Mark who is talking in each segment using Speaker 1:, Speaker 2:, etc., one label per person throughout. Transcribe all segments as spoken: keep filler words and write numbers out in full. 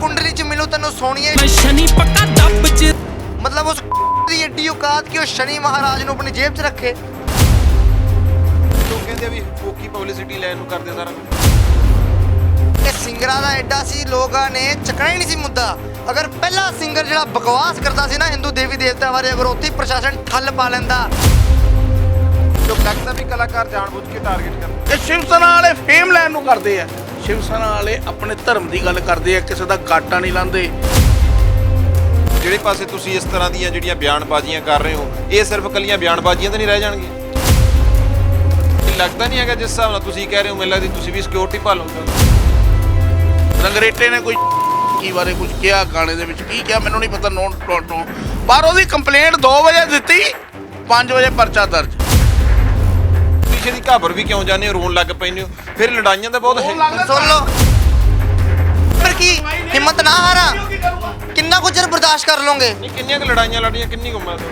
Speaker 1: कुंडली च मिलूं तेनू सोनिए
Speaker 2: मैं शनि पक्का दब च
Speaker 1: मतलब उस दी एडी औकात कि शनि महाराज ਨੂੰ अपनी जेब च रखे।
Speaker 3: ਲੋਕ ਕਹਿੰਦੇ ਵੀ ਫੋਕੀ ਪਬਲਿਸਿਟੀ ਲੈਣ ਨੂੰ ਕਰਦੇ ਸਾਰਾ ਕੁਝ।
Speaker 1: ਇਹ ਸਿੰਗਰਾਂ ਦਾ ਐਡਾ ਸੀ ਲੋਕਾਂ ਨੇ ਚੱਕਣਾ ਹੀ ਨਹੀਂ ਸੀ ਮੁੱਦਾ। ਅਗਰ ਪਹਿਲਾ ਸਿੰਗਰ ਜਿਹੜਾ ਬਕਵਾਸ ਕਰਦਾ ਸੀ ਨਾ ਹਿੰਦੂ ਦੇਵੀ ਦੇਵਤਾ ਬਾਰੇ, ਅਗਰ ਉੱਥੇ ਪ੍ਰਸ਼ਾਸਨ ਠੱਲ ਪਾ ਲੈਂਦਾ।
Speaker 3: ਲੋਕ ਲੱਗਦਾ ਵੀ ਕਲਾਕਾਰ ਜਾਣਬੁੱਝ ਕੇ ਟਾਰਗੇਟ ਕਰਦੇ।
Speaker 4: ਇਹ ਸ਼ਿਵ ਸੈਨਾ ਵਾਲੇ ਫੇਮ ਲੈਣ ਨੂੰ ਕਰਦੇ ਆ। ਸ਼ਿਵ ਸੈਨਾ ਵਾਲੇ ਆਪਣੇ ਧਰਮ ਦੀ ਗੱਲ ਕਰਦੇ ਆ, ਕਿਸੇ ਦਾ ਗਾਟਾ ਨਹੀਂ ਲਾਉਂਦੇ।
Speaker 3: ਜਿਹੜੇ ਪਾਸੇ ਤੁਸੀਂ ਇਸ ਤਰ੍ਹਾਂ ਦੀਆਂ ਜਿਹੜੀਆਂ ਬਿਆਨਬਾਜ਼ੀਆਂ ਕਰ ਰਹੇ ਹੋ, ਇਹ ਸਿਰਫ ਕੱਲੀਆਂ ਬਿਆਨਬਾਜ਼ੀਆਂ ਤਾਂ ਨਹੀਂ ਰਹਿ ਜਾਣਗੀਆਂ। ਇਹ ਲੱਗਦਾ ਨਹੀਂ ਹੈਗਾ ਜਿਸ ਹਿਸਾਬ ਨਾਲ ਤੁਸੀਂ ਕਹਿ ਰਹੇ ਹੋ, ਮੈਨੂੰ ਲੱਗਦੀ ਤੁਸੀਂ ਵੀ ਸਿਕਿਉਰਿਟੀ ਭਾਲੋਗੇ।
Speaker 4: ਰੰਗਰੇਟੇ ਨੇ ਕੋਈ ਕੀ ਬਾਰੇ ਕੁਝ ਕਿਹਾ, ਗਾਣੇ ਦੇ ਵਿੱਚ ਕੀ ਕਿਹਾ ਮੈਨੂੰ ਨਹੀਂ ਪਤਾ। ਨੋਟ ਟੋਟੋ ਪਰ ਉਹਦੀ ਕੰਪਲੇਂਟ ਦੋ ਵਜੇ ਦਿੱਤੀ, ਪੰਜ ਵਜੇ ਪਰਚਾ ਦਰਜ।
Speaker 3: ਪਿੱਛੇ ਦੀ ਘਾਬਰ ਵੀ ਕਿਉਂ ਜਾਂਦੇ ਹੋ, ਰੋਣ ਲੱਗ ਪੈਂਦੇ ਹੋ, ਫਿਰ ਲੜਾਈਆਂ ਦਾ ਬਹੁਤ ਹੈ।
Speaker 1: ਸੁਣ ਲਓ ਫਿਰ ਕੀ ਹਿੰਮਤ ਨਾ ਹਾਰਾ, ਕਿੰਨਾ ਕੁ ਚਿਰ ਬਰਦਾਸ਼ਤ ਕਰ ਲੋਗੇ।
Speaker 3: ਨਹੀਂ ਕਿੰਨੀਆਂ ਕੁ ਲੜਾਈਆਂ ਲੜੀਆਂ, ਕਿੰਨੀ ਕੁ ਉਮਰ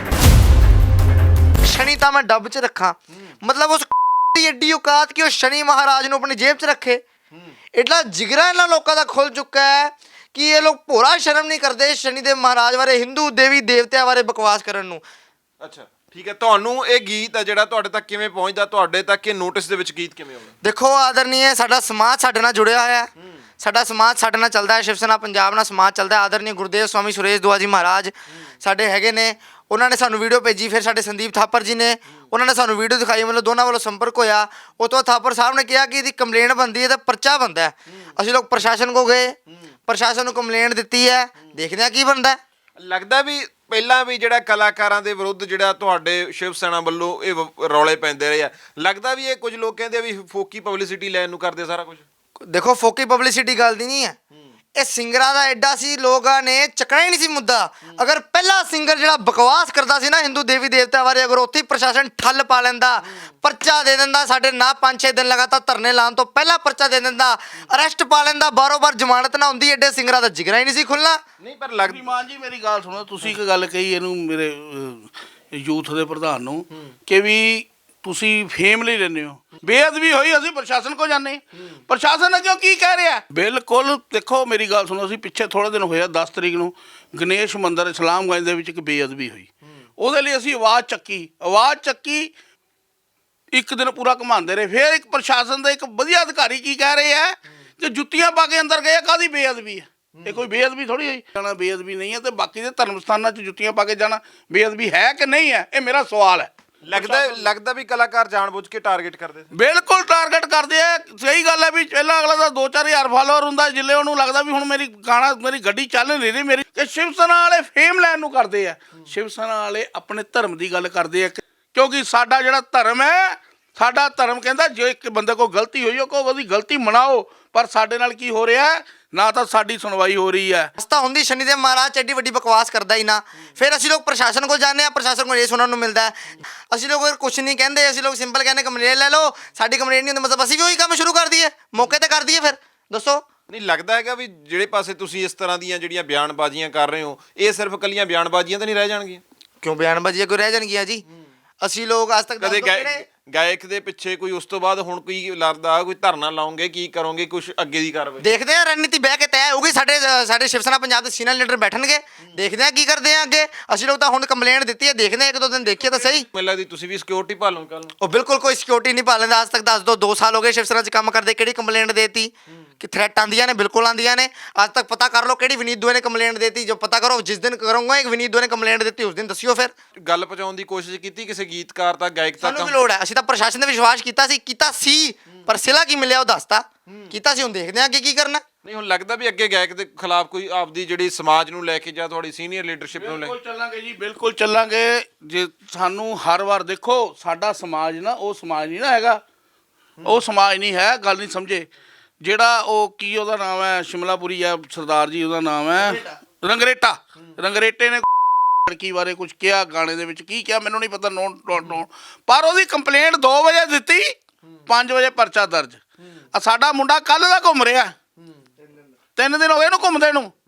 Speaker 1: ਸ਼ਨੀ ਤਾਂ ਮੈਂ ਡੱਬ 'ਚ ਰੱਖਾਂ, ਮਤਲਬ ਉਸ ਦੀ ਐਡੀ ਔਕਾਤ ਕਿ ਉਹ ਸ਼ਨੀ ਮਹਾਰਾਜ ਨੂੰ ਆਪਣੀ ਜੇਬ 'ਚ ਰੱਖੇ। ਇਤਨਾ ਜਿਗਰਾ ਇਹਨਾਂ ਲੋਕਾਂ ਦਾ ਖੁੱਲ ਚੁੱਕਾ ਹੈ ਕਿ ਇਹ ਲੋਕ ਭੋਰਾ ਸ਼ਰਮ ਨਹੀਂ ਕਰਦੇ ਸ਼ਨੀ ਦੇ ਮਹਾਰਾਜ ਬਾਰੇ, ਹਿੰਦੂ ਦੇਵੀ ਦੇਵਤਿਆਂ ਬਾਰੇ ਬਕਵਾਸ ਕਰਨ ਨੂੰ।
Speaker 3: ਅੱਛਾ ਠੀਕ ਹੈ, ਤੁਹਾਨੂੰ ਇਹ ਗੀਤ ਆ ਜਿਹੜਾ ਤੁਹਾਡੇ ਤੱਕ ਕਿਵੇਂ ਪਹੁੰਚਦਾ, ਤੁਹਾਡੇ ਤੱਕ ਇਹ ਨੋਟਿਸ ਦੇ ਵਿੱਚ ਗੀਤ ਕਿਵੇਂ ਆਉਂਦਾ?
Speaker 1: ਦੇਖੋ ਆਦਰਨੀਏ, ਸਾਡਾ ਸਮਾਜ ਸਾਡੇ ਨਾਲ ਜੁੜਿਆ ਹੋਇਆ ਹੈ, ਸਾਡਾ ਸਮਾਜ ਸਾਡੇ ਨਾਲ ਚੱਲਦਾ ਹੈ। ਸ਼ਿਵ ਸੈਨਾ ਪੰਜਾਬ ਨਾਲ ਸਮਾਜ ਚੱਲਦਾ ਹੈ। ਆਦਰਨੀ ਗੁਰਦੇਵ ਸਵਾਮੀ ਸੁਰੇਸ਼ ਦੁਆ ਜੀ ਮਹਾਰਾਜ ਸਾਡੇ ਹੈਗੇ ਨੇ, ਉਹਨਾਂ ਨੇ ਸਾਨੂੰ ਵੀਡੀਓ ਭੇਜੀ। ਫਿਰ ਸਾਡੇ ਸੰਦੀਪ ਥਾਪਰ ਜੀ ਨੇ, ਉਹਨਾਂ ਨੇ ਸਾਨੂੰ ਵੀਡੀਓ ਦਿਖਾਈ, ਮਤਲਬ ਦੋਨਾਂ ਵੱਲੋਂ ਸੰਪਰਕ ਹੋਇਆ। ਉਹ ਤੋਂ ਥਾਪਰ ਸਾਹਿਬ ਨੇ ਕਿਹਾ ਕਿ ਇਹਦੀ ਕੰਪਲੇਂਟ ਬਣਦੀ ਹੈ ਤਾਂ ਪਰਚਾ ਬਣਦਾ ਹੈ। ਅਸੀਂ ਲੋਕ ਪ੍ਰਸ਼ਾਸਨ ਕੋ ਗਏ, ਪ੍ਰਸ਼ਾਸਨ ਨੂੰ ਕੰਪਲੇਂਟ ਦਿੱਤੀ ਹੈ, ਦੇਖਦੇ ਹਾਂ ਕੀ ਬਣਦਾ।
Speaker 3: ਲੱਗਦਾ ਵੀ ਪਹਿਲਾਂ ਵੀ ਜਿਹੜਾ ਕਲਾਕਾਰਾਂ ਦੇ ਵਿਰੁੱਧ ਜਿਹੜਾ ਤੁਹਾਡੇ ਸ਼ਿਵ ਸੈਨਾ ਵੱਲੋਂ ਇਹ ਵ- ਰੌਲੇ ਪੈਂਦੇ ਰਹੇ ਆ, ਲੱਗਦਾ ਵੀ ਇਹ ਕੁਝ ਲੋਕ ਕਹਿੰਦੇ ਆ ਵੀ ਫੋਕੀ ਪਬਲਿਸਿਟੀ ਲੈਣ ਨੂੰ ਕਰਦੇ ਸਾਰਾ ਕੁਝ।
Speaker 1: ਦੇਖੋ ਫੋਕੀ ਪਬਲਿਸਿਟੀ ਗੱਲ ਦੀ ਨਹੀਂ ਹੈ, ਇਹ ਸਿੰਗਰਾਂ ਦਾ ਐਡਾ ਸੀ ਲੋਕਾਂ ਨੇ ਚੱਕਣਾ ਹੀ ਨਹੀਂ ਸੀ ਮੁੱਦਾ। ਅਗਰ ਪਹਿਲਾ ਸਿੰਗਰ ਜਿਹੜਾ ਬਕਵਾਸ ਕਰਦਾ ਸੀ ਨਾ ਹਿੰਦੂ ਦੇਵੀ ਦੇਵਤਾ ਬਾਰੇ, ਅਗਰ ਉੱਥੇ ਪ੍ਰਸ਼ਾਸਨ ਠੱਲ ਪਾ ਲੈਂਦਾ, ਪਰਚਾ ਦੇ ਦਿੰਦਾ, ਸਾਡੇ ਨਾ ਪੰਜ ਛੇ ਦਿਨ ਲਗਾਤਾਰ ਧਰਨੇ ਲਾਉਣ ਤੋਂ ਪਹਿਲਾਂ ਪਰਚਾ ਦੇ ਦਿੰਦਾ, ਅਰੈਸਟ ਪਾ ਲੈਂਦਾ, ਬਾਰੋ ਬਾਰ ਜ਼ਮਾਨਤ ਨਾ ਹੁੰਦੀ, ਐਡੇ ਸਿੰਗਰਾਂ ਦਾ ਜਿਗਰਾ ਹੀ ਨਹੀਂ ਸੀ ਖੁੱਲ੍ਹਣਾ।
Speaker 3: ਨਹੀਂ ਪਰ ਲੱਗਦੀ
Speaker 4: ਮਾਨ ਜੀ ਮੇਰੀ ਗੱਲ ਸੁਣੋ, ਤੁਸੀਂ ਇੱਕ ਗੱਲ ਕਹੀ ਇਹਨੂੰ ਮੇਰੇ ਯੂਥ ਦੇ ਪ੍ਰਧਾਨ ਨੂੰ ਕਿ ਵੀ ਤੁਸੀਂ ਫੇਮ ਲਈ ਲੈਂਦੇ ਹੋ। ਬੇਅਦਬੀ ਹੋਈ ਅਸੀਂ ਪ੍ਰਸ਼ਾਸਨ ਕੋ ਜਾਂਦੇ, ਪ੍ਰਸ਼ਾਸਨ ਅੱਗੇ ਕੀ ਕਹਿ ਰਿਹਾ? ਬਿਲਕੁਲ ਦੇਖੋ ਮੇਰੀ ਗੱਲ ਸੁਣੋ, ਅਸੀਂ ਪਿੱਛੇ ਥੋੜ੍ਹੇ ਦਿਨ ਹੋਇਆ ਦਸ ਤਰੀਕ ਨੂੰ ਗਣੇਸ਼ ਮੰਦਿਰ ਇਸਲਾਮਗੰਜ ਦੇ ਵਿੱਚ ਇੱਕ ਬੇਅਦਬੀ ਹੋਈ, ਉਹਦੇ ਲਈ ਅਸੀਂ ਆਵਾਜ਼ ਚੱਕੀ ਆਵਾਜ਼ ਚੱਕੀ ਇੱਕ ਦਿਨ ਪੂਰਾ ਘੁਮਾਉਂਦੇ ਰਹੇ। ਫਿਰ ਇੱਕ ਪ੍ਰਸ਼ਾਸਨ ਦਾ ਇੱਕ ਵਧੀਆ ਅਧਿਕਾਰੀ ਕੀ ਕਹਿ ਰਹੇ ਆ ਕਿ ਜੁੱਤੀਆਂ ਪਾ ਕੇ ਅੰਦਰ ਗਏ, ਕਾਹਦੀ ਬੇਅਦਬੀ ਹੈ? ਇਹ ਕੋਈ ਬੇਅਦਬੀ ਥੋੜ੍ਹੀ ਹੋਈ। ਜਾਣਾ ਬੇਅਦਬੀ ਨਹੀਂ ਹੈ, ਤੇ ਬਾਕੀ ਦੇ ਧਰਮ ਸਥਾਨਾਂ 'ਚ ਜੁੱਤੀਆਂ ਪਾ ਕੇ ਜਾਣਾ ਬੇਅਦਬੀ ਹੈ ਕਿ ਨਹੀਂ ਹੈ? ਇਹ ਮੇਰਾ ਸਵਾਲ ਹੈ।
Speaker 3: ਲੱਗਦਾ ਲੱਗਦਾ ਵੀ ਕਲਾਕਾਰ ਜਾਣਬੁੱਝ ਕੇ ਟਾਰਗੇਟ ਕਰਦੇ।
Speaker 4: ਬਿਲਕੁਲ ਟਾਰਗੇਟ ਕਰਦੇ ਆ। ਸਹੀ ਗੱਲ ਹੈ ਵੀ ਪਹਿਲਾਂ ਅਗਲਾ ਦਾ ਦੋ ਚਾਰ ਹਜ਼ਾਰ ਫਾਲੋਅਰ ਹੁੰਦਾ, ਜਿੱਲੇ ਉਹਨੂੰ ਲੱਗਦਾ ਵੀ ਹੁਣ ਮੇਰੀ ਗਾਣਾ ਮੇਰੀ ਗੱਡੀ ਚੱਲ ਨਹੀਂ ਰਹੀ ਮੇਰੀ, ਕਿ ਸ਼ਿਵ ਸੈਨਾ ਵਾਲੇ ਫੇਮ ਲੈਣ ਨੂੰ ਕਰਦੇ ਆ। ਸ਼ਿਵ ਸੈਨਾ ਵਾਲੇ ਆਪਣੇ ਧਰਮ ਦੀ ਗੱਲ ਕਰਦੇ ਆ, ਕਿਉਂਕਿ ਸਾਡਾ ਜਿਹੜਾ ਧਰਮ ਹੈ, ਸਾਡਾ ਧਰਮ ਕਹਿੰਦਾ ਜੇ ਇੱਕ ਬੰਦੇ ਕੋਲ ਗਲਤੀ ਹੋਈ ਉਹ ਉਹਦੀ ਗਲਤੀ ਮਨਾਓ। ਪਰ ਸਾਡੇ ਨਾਲ ਕੀ ਹੋ ਰਿਹਾ, ਨਾ ਤਾਂ ਸਾਡੀ ਸੁਣਵਾਈ ਹੋ ਰਹੀ ਹੈ।
Speaker 1: ਰਸਤਾ ਹੁੰਦੀ ਸ਼ਨੀ ਦੇ ਮਹਾਰਾਜ ਐਡੀ ਵੱਡੀ ਬਕਵਾਸ ਕਰਦਾ ਹੀ ਨਾ। ਫਿਰ ਅਸੀਂ ਲੋਕ ਪ੍ਰਸ਼ਾਸਨ ਕੋਲ ਜਾਂਦੇ ਹਾਂ, ਪ੍ਰਸ਼ਾਸਨ ਕੋਲ ਇਹ ਸੁਣਨ ਨੂੰ ਮਿਲਦਾ ਹੈ। ਅਸੀਂ ਲੋਕ ਕੁਝ ਨਹੀਂ ਕਹਿੰਦੇ, ਅਸੀਂ ਲੋਕ ਸਿੰਪਲ ਕਹਿੰਦੇ ਕੰਪਲੇਂਟ ਲੈ ਲਓ, ਸਾਡੀ ਕੰਪਲੇਂਟ ਨਹੀਂ ਹੁੰਦੀ, ਮਤਲਬ ਅਸੀਂ ਵੀ ਉਹੀ ਕੰਮ ਸ਼ੁਰੂ ਕਰ ਦਈਏ, ਮੌਕੇ ਤੇ ਕਰ ਦਈਏ। ਫਿਰ ਦੱਸੋ
Speaker 3: ਨਹੀਂ ਲੱਗਦਾ ਹੈਗਾ ਵੀ ਜਿਹੜੇ ਪਾਸੇ ਤੁਸੀਂ ਇਸ ਤਰ੍ਹਾਂ ਦੀਆਂ ਜਿਹੜੀਆਂ ਬਿਆਨਬਾਜ਼ੀਆਂ ਕਰ ਰਹੇ ਹੋ, ਇਹ ਸਿਰਫ ਕੱਲੀਆਂ ਬਿਆਨਬਾਜ਼ੀਆਂ ਤਾਂ ਨਹੀਂ ਰਹਿ ਜਾਣਗੀਆਂ?
Speaker 1: ਕਿਉਂ ਬਿਆਨਬਾਜ਼ੀਆਂ ਕੋਈ ਰਹਿ ਜਾਣਗੀਆਂ ਜੀ? ਅਸੀਂ ਲੋਕ ਅੱਜ ਤੱਕ
Speaker 3: ਕਦੇ ਗਾਇ- ਗਾਇਕ ਦੇ ਪਿੱਛੇ ਕੋਈ ਉਸ ਤੋਂ ਬਾਅਦ ਹੁਣ ਕੋਈ ਲੱਗਦਾ ਕੋਈ ਧਰਨਾ ਲਾਉਂਗੇ, ਕੀ ਕਰੋਗੇ, ਕੁਝ ਅੱਗੇ ਦੀ ਕਾਰਵਾਈ?
Speaker 1: ਦੇਖਦੇ ਆ, ਰਣਨੀਤੀ ਬਹਿ ਕੇ ਤੈਅ ਹੋਊਗੀ। ਸਾਡੇ ਸਾਡੇ ਸ਼ਿਵ ਸੈਨਾ ਪੰਜਾਬ ਦੇ ਸੀਨੀਅਰ ਲੀਡਰ ਬੈਠਣਗੇ, ਦੇਖਦੇ ਆ ਕੀ ਕਰਦੇ ਆ ਅੱਗੇ। ਅਸੀਂ ਲੋਕ ਤਾਂ ਹੁਣ ਕੰਪਲੇਂਟ ਦਿੱਤੀ ਹੈ, ਦੇਖਦੇ ਆ ਇੱਕ ਦੋ ਦਿਨ ਦੇਖੀਏ ਤਾਂ ਸਹੀ।
Speaker 3: ਮੈਨੂੰ ਲੱਗਦੀ ਤੁਸੀਂ ਵੀ ਸਿਕਿਉਰਿਟੀ ਭਾਲੋਗੇ ਕੱਲ ਨੂੰ।
Speaker 1: ਉਹ ਬਿਲਕੁਲ ਕੋਈ ਸਿਕਿਉਰਿਟੀ ਨਹੀਂ ਪਾ ਲੈਂਦਾ। ਅੱਜ ਤੱਕ ਦੱਸ ਦੋ ਦੋ ਸਾਲ ਹੋ ਗਏ ਸ਼ਿਵ ਸੈਨਾ 'ਚ ਕੰਮ ਕਰਦੇ, ਕਿਹੜੀ ਕੰਪਲੇਂਟ ਦੇਤੀ? ਕਿ ਥ੍ਰੈਟ ਆਉਂਦੀਆਂ ਨੇ? ਬਿਲਕੁਲ ਆਉਂਦੀਆਂ ਨੇ। ਅੱਜ ਤੱਕ ਪਤਾ ਕਰ ਲਓ ਕਿਹੜੀ ਵਿਨੀਤ ਦੁਆ ਨੇ ਕੰਪਲੇਂਟ ਦੇਤੀ। ਜੋ ਪਤਾ ਕਰੋ, ਜਿਸ ਦਿਨ ਕਰੂੰਗਾ ਇੱਕ ਵਿਨੀਤ ਦੁਆ ਨੇ ਕੰਪਲੇਂਟ ਦਿੱਤੀ ਉਸ ਦਿਨ ਦੱਸਿਓ। ਫਿਰ
Speaker 3: ਗੱਲ ਪਹੁੰਚਾਉਣ ਦੀ ਕੋਸ਼ਿਸ਼ ਕੀਤੀ ਕਿਸੇ ਗੀਤਕਾਰ ਤੱਕ, ਗਾਇਕ ਤੱਕ?
Speaker 1: ਸਾਨੂੰ ਕੀ ਲੋੜ ਹੈ? ਅਸੀਂ ਤਾਂ ਪ੍ਰਸ਼ਾਸਨ ਤੇ ਵਿਸ਼ਵਾਸ ਕੀਤਾ ਸੀ ਕੀਤਾ ਸੀ ਪਰ ਸਿਲਾ ਕੀ ਮਿਲਿਆ ਉਹ ਦੱਸਤਾ ਕੀਤਾ ਸੀ। ਹੁਣ ਦੇਖਦੇ ਆ ਅੱਗੇ ਕੀ ਕਰਨਾ।
Speaker 3: ਨਹੀਂ ਹੁਣ ਲੱਗਦਾ ਵੀ ਅੱਗੇ ਗਾਇਕ ਦੇ ਖਿਲਾਫ ਕੋਈ ਆਪਦੀ ਜਿਹੜੀ ਸਮਾਜ ਨੂੰ ਲੈ ਕੇ ਜਾਂ ਤੁਹਾਡੀ ਸੀਨੀਅਰ ਲੀਡਰਸ਼ਿਪ ਨੂੰ ਲੈ ਕੇ?
Speaker 4: ਬਿਲਕੁਲ ਚੱਲਾਂਗੇ ਜੀ, ਬਿਲਕੁਲ ਚੱਲਾਂਗੇ। ਜੇ ਸਾਨੂੰ ਹਰ ਵਾਰ ਦੇਖੋ ਸਾਡਾ ਸਮਾਜ ਨਾ ਉਹ ਸਮਾਜ ਨਹੀਂ ਨਾ ਹੈਗਾ, ਉਹ ਸਮਾਜ ਨਹੀਂ ਹੈ। ਗੱਲ ਨਹੀਂ ਸਮਝੇ। ਜਿਹੜਾ ਉਹ ਕੀ ਉਹਦਾ ਨਾਮ ਹੈ, ਸ਼ਿਮਲਾਪੁਰੀ ਆ ਸਰਦਾਰ ਜੀ, ਉਹਦਾ ਨਾਮ ਹੈ ਰੰਗਰੇਟਾ। ਰੰਗਰੇਟੇ ਨੇ ਲੜਕੀ ਬਾਰੇ ਕੁਝ ਕਿਹਾ, ਗਾਣੇ ਦੇ ਵਿੱਚ ਕੀ ਕਿਹਾ ਮੈਨੂੰ ਨਹੀਂ ਪਤਾ। ਨੋਟ ਨੋਟ ਪਰ ਉਹਦੀ ਕੰਪਲੇਂਟ ਦੋ ਵਜੇ ਦਿੱਤੀ, ਪੰਜ ਵਜੇ ਪਰਚਾ ਦਰਜ। ਆ ਸਾਡਾ ਮੁੰਡਾ ਕੱਲ ਦਾ ਘੁੰਮ ਰਿਹਾ, ਤਿੰਨ ਦਿਨ ਹੋ ਗਏ ਇਹਨੂੰ ਘੁੰਮਦੇ ਨੂੰ।